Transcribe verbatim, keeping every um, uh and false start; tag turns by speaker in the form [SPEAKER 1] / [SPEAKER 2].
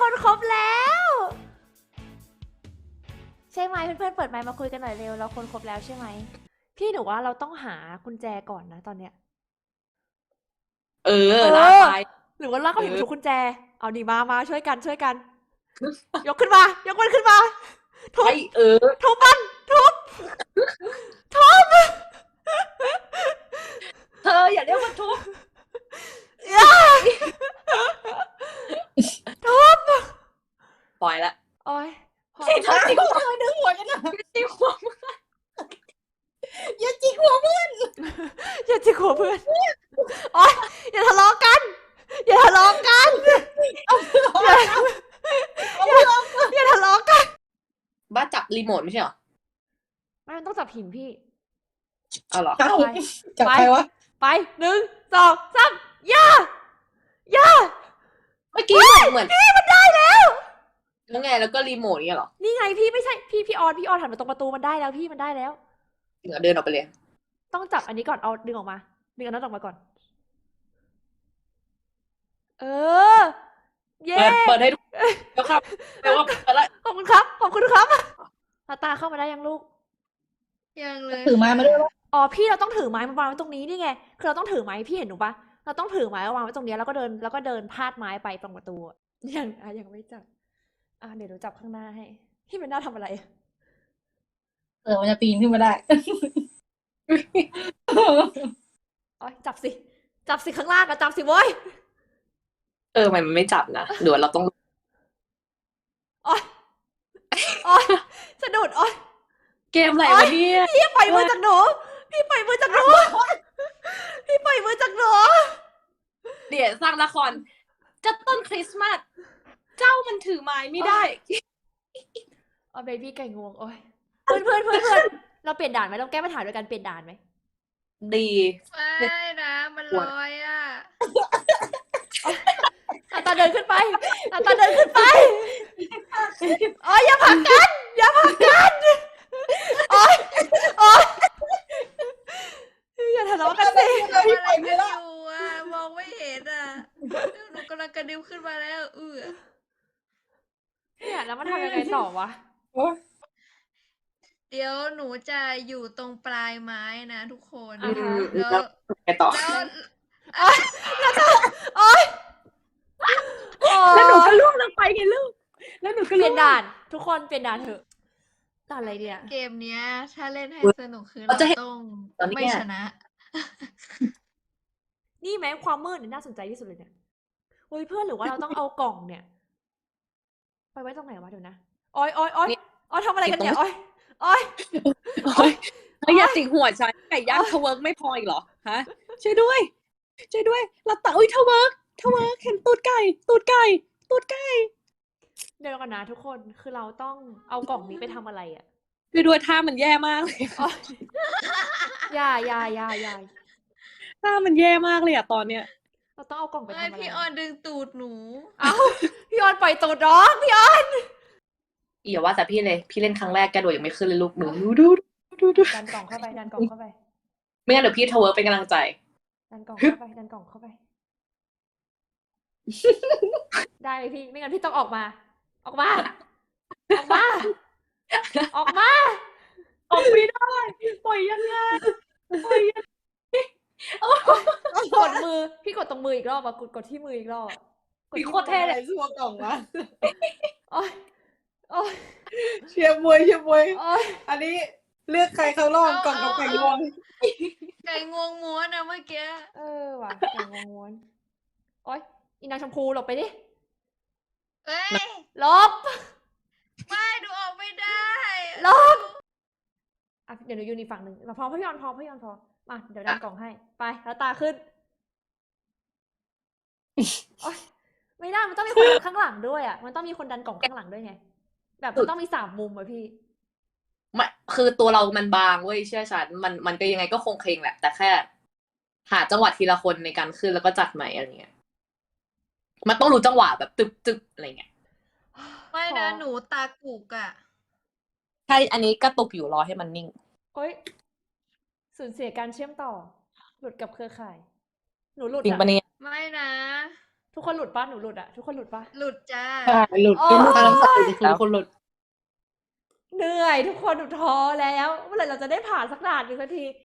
[SPEAKER 1] คนครบแล้วใช่ไหมเพื่อนๆเปิดไมค์มาคุยกันหน่อยเร็วเราคนครบแล้วใช่ไหมพี่หนูว่าเราต้องหากุญแจก่อนนะตอนเนี้ย
[SPEAKER 2] เออ
[SPEAKER 1] เอ
[SPEAKER 2] ลาก
[SPEAKER 1] อ
[SPEAKER 2] ไป
[SPEAKER 1] หรือว่าลากเขา
[SPEAKER 2] เอ
[SPEAKER 1] หยิบ
[SPEAKER 2] อ
[SPEAKER 1] ทุกกุญแจเอาดีมามาช่วยกันช่วยกัน ยกขึ้นมายกมันขึ้นมาทุบ
[SPEAKER 2] ไอเออ
[SPEAKER 1] ทุบมันทุบทุบ
[SPEAKER 2] เธออย่าเรียกว่าทุบ
[SPEAKER 1] อย่าทุบ
[SPEAKER 2] ปล่อยละ
[SPEAKER 1] โอ้ยพอ
[SPEAKER 2] ไอ้ท่าจิกหัว
[SPEAKER 3] ทำไมดึงหัวกันอ่ะ
[SPEAKER 2] จิกหัว
[SPEAKER 3] อย่าจิกหัวเพื่อน
[SPEAKER 1] อย่าจิกหัวเพื่อนโอ้ยอย่าทะเลาะกันอย่าทะเลาะกันอย่าอย่าทะเลาะกัน
[SPEAKER 2] บ้าจับรีโมทไม่ใช่เหรอ
[SPEAKER 1] ไม่มันต้องจับหินพี่
[SPEAKER 2] เอาเหรอ
[SPEAKER 3] เอา
[SPEAKER 1] ไป
[SPEAKER 3] จับใครวะ
[SPEAKER 1] ไปหนึ่งสองสามย่าย่า
[SPEAKER 2] เมื่อกี้เหมือนเหมือน
[SPEAKER 1] พี่มันได้แล้ว
[SPEAKER 2] แล้วไงแล้วก็รีโมทเนี่ยเหรอ
[SPEAKER 1] นี่ไงพี่ไม่ใช่พี่พี่ออนพี่ออนหันมาตรงประตูมันได้แล้วพี่มันได้แล้ว
[SPEAKER 2] เหนือเดินออกไปเลย
[SPEAKER 1] ต้องจับอันนี้ก่อนเอาดึงออกมาดึงอันนั้นออกมาก่อน เออ เย้
[SPEAKER 2] เปิดเปิดให้ดูแล้วครับแปลว่าเปิดละ
[SPEAKER 1] ขอบคุณครับขอบคุณครับตาตาเข้ามาได้ยังลูก
[SPEAKER 4] ยังเลย
[SPEAKER 3] ถือไม้มาด้วยวะ
[SPEAKER 1] อ๋อพี่เราต้องถือไม้มาวางไว้ตรงนี้นี่ไงคือเราต้องถือไม้พี่เห็นหนูปะเราต้องถือไม้วางไว้ตรงนี้แล้วก็เดินแล้วก็เดินพาดไม้ไปตรงประตูอะยังอ่ะยังไม่จับอ่ะเดี๋ยวหนูจับข้างหน้าให้พี่เป็นหน้าทำอะไร
[SPEAKER 3] เออมันจะปีนขึ้นมาได้
[SPEAKER 1] อ๋อจับสิจับสิข้างล่างอะจับสิโว้ย
[SPEAKER 2] เออมันไม่จับนะเดี๋ยวเราต้อง
[SPEAKER 1] อ๋ออ๋อสะดุดอ๋อ
[SPEAKER 2] เกมอะไรวะเนี่ย
[SPEAKER 1] พี่ปล่อยมือจากหนูพี่ปล่อยมือจากหนูพี่ปล่อยมือจากหนู
[SPEAKER 2] เดี๋ยวสร้างละครจะต้นคริสต์มาสเจ้ามันถือไม้ไม่ได้
[SPEAKER 1] อ๋อเบบี้ไก่งวงโอ้ยเพื่อนเพื่อนเพื่อนเพื่อนเราเปลี่ยนด่านไหมเราแก้ปัญหาด้วยการเปลี่ยนด่านไหม
[SPEAKER 2] ดี
[SPEAKER 4] ไม่นะมันลอยอ่ะ
[SPEAKER 1] ตาตาเดินขึ้นไปตาตาเดินขึ้นไปอ๋ออย่าผลักกันอย่าผลักกันโอ๊ยโอ๊ยอย่าทะเลาะกันสิ
[SPEAKER 4] ทำอะไรกันอยู่อ่ะมองไม่เห็นอ่ะหนูกำลังกระดิ่งขึ้นมาแล้วเออ
[SPEAKER 1] เนี่ยแล้วมันทำยังไงต่อวะ
[SPEAKER 3] โอ้ย
[SPEAKER 4] เดี๋ยวหนูจะอยู่ตรงปลายไม้นะทุกคน
[SPEAKER 1] อ่าฮะ
[SPEAKER 4] แล้ว
[SPEAKER 2] แล้วไปต่อ
[SPEAKER 4] แล้ว
[SPEAKER 1] โอ๊ยโอ๊
[SPEAKER 2] แล้วหนูก็
[SPEAKER 1] ย
[SPEAKER 2] ล่วงลงไปไงลูกแล้วหนูก็
[SPEAKER 1] เป
[SPEAKER 2] ล่
[SPEAKER 1] ลี่
[SPEAKER 2] วย ง
[SPEAKER 1] นด่าน ทุกคนเปลี่ยนด่านเถอะด่านอะไรเนี่ย
[SPEAKER 4] เกมเนี้ย ถ้าเล่นให้สนุกคือ
[SPEAKER 2] เรา
[SPEAKER 4] เรา
[SPEAKER 2] จะเห็น
[SPEAKER 4] ต้อง
[SPEAKER 2] ตอนนี้
[SPEAKER 4] ไม่
[SPEAKER 2] เนี่ย
[SPEAKER 4] ชนะ
[SPEAKER 1] นี่แม้ความมืดเนี่ยน่าสนใจที่สุดเลยเนี่ยโอ้ยเพื่อนหรือว่าเราต้องเอากล่องเนี่ย ไปไว้ตรงไหนวะเดี๋ยวนะโอ้ยโอ้ยโอ้ยโอ้ยทำอะไรกันเนี่ยโอ้ยโอ้ย
[SPEAKER 2] โอ๊ยเฮ้ยอย่าจิกหัวฉันไก่ย่างทเวิร์กไม่พออีกเหรอฮะช่วยด้วยช่วยด้วยเราตะอุ้ยทเวิร์กทเวิร์กเห็นตูดไก่ตูดไก่ตูดไก่
[SPEAKER 1] เดี๋ยวก่อนนะทุกคนคือเราต้องเอากล่องนี้ไปทำอะไรอ่ะ
[SPEAKER 2] ช่วยด้วยท่ามันแย่มากเลย
[SPEAKER 1] โอ๊ยอย่าอย่าอย่าอย่า
[SPEAKER 2] ท่ามันแย่มากเลยอะตอนเนี้ย
[SPEAKER 1] เราต้องเอากล่องไป
[SPEAKER 4] ไม่
[SPEAKER 1] ทำอะไร
[SPEAKER 4] พี่ออนดึงตูดหนู
[SPEAKER 1] เอ้าพี่ออนปล่อยตูดน้องพี่ออน
[SPEAKER 2] อย่าว่าแต่พี่เลยพี่เล่นครั้งแรกแกโดดยังไม่ขึ้นเลยลูกหนูดูดูดูดู
[SPEAKER 1] ดันกล่องเข้าไปดันกล่องเข้าไป
[SPEAKER 2] ไม่งั้นเดี๋ยวพี่ทเวิร์กเป็นกำลังใจ
[SPEAKER 1] ดันกล่องเข้าไปดันกล่องเข้าไป ได้เลยพี่ไม่งั้นพี่ต้องออกมา ออกมา ออกมา ออกมา
[SPEAKER 2] ออกไม่ได้ปล่อยยังไงปล่อยยัง
[SPEAKER 1] กดมือพี่กดตรงมืออีกรอบอะกดกดที่มืออีกรอบอะกด
[SPEAKER 2] พี่
[SPEAKER 1] ที่
[SPEAKER 2] โคตรเท่เลย
[SPEAKER 3] สู้กล่องวะ
[SPEAKER 1] โอ๊ยโอ๊ย
[SPEAKER 3] เชียร์มวยเชียร์มวย
[SPEAKER 1] โอ๊ย
[SPEAKER 3] อันนี้เลือกใครเข้ารอบกล่องกับไก่งวง
[SPEAKER 4] ไก่งวงม้วนนะเมื่อกี้
[SPEAKER 1] เออว่ะแกงงวนโอ๊ยอีนางชมพูหลบไปดิ
[SPEAKER 4] เอ้ย
[SPEAKER 1] หลบ
[SPEAKER 4] ไม่ดูออกไม่ได้
[SPEAKER 1] ลบ อ่ะเดี๋ยวหนูยืนอีกฝั่งหนึ่งมาพอพี่ออนพอพี่ออนพอมาเดี๋ยวดันกล่องให้ไปแล้วตาขึ้นโอ๊ยไม่ได้มันต้องมีคนดันข้างหลังด้วยอ่ะมันต้องมีคนดันกล่องข้างหลังด้วยไงแบบมันต้องมีสามมุมอะพี่
[SPEAKER 2] ไม่คือตัวเรามันบางเว้ยเชื่อฉันมันมันก็ยังไงก็คงเคลงแหละ แต่แค่ หาจังหวะทีละคนในการขึ้นแล้วก็จัดใหม่อะไรเงี้ยมันต้องรู้จังหวะแบบตึบตึบอะไรเงี้ย
[SPEAKER 4] ไม่นะ
[SPEAKER 1] ขอ
[SPEAKER 4] หนูตากุกอ่ะ
[SPEAKER 2] ใช่อันนี้กระตุกอยู่รอให้มันนิ่ง
[SPEAKER 1] โอ๊ยสูญเสียการเชื่อมต่อ หลุดกับเครือข่าย หนูหลุด
[SPEAKER 2] จริง
[SPEAKER 1] อะ
[SPEAKER 2] ปะเนี่ย
[SPEAKER 4] ไม่นะ
[SPEAKER 1] ทุกคนหลุดปะหนูหลุดอะทุกคนหลุดปะ
[SPEAKER 4] หลุดจ้า
[SPEAKER 3] อ่าหลุด
[SPEAKER 1] โอ้
[SPEAKER 3] เป็น
[SPEAKER 2] ตา
[SPEAKER 3] ตาม
[SPEAKER 2] น้ำใสคือคนหลุด
[SPEAKER 1] เหนื่อยทุกคนหนูท้อแล้วเมื่อไหร่เราจะได้ผ่านสักด่านหนึ่งสักที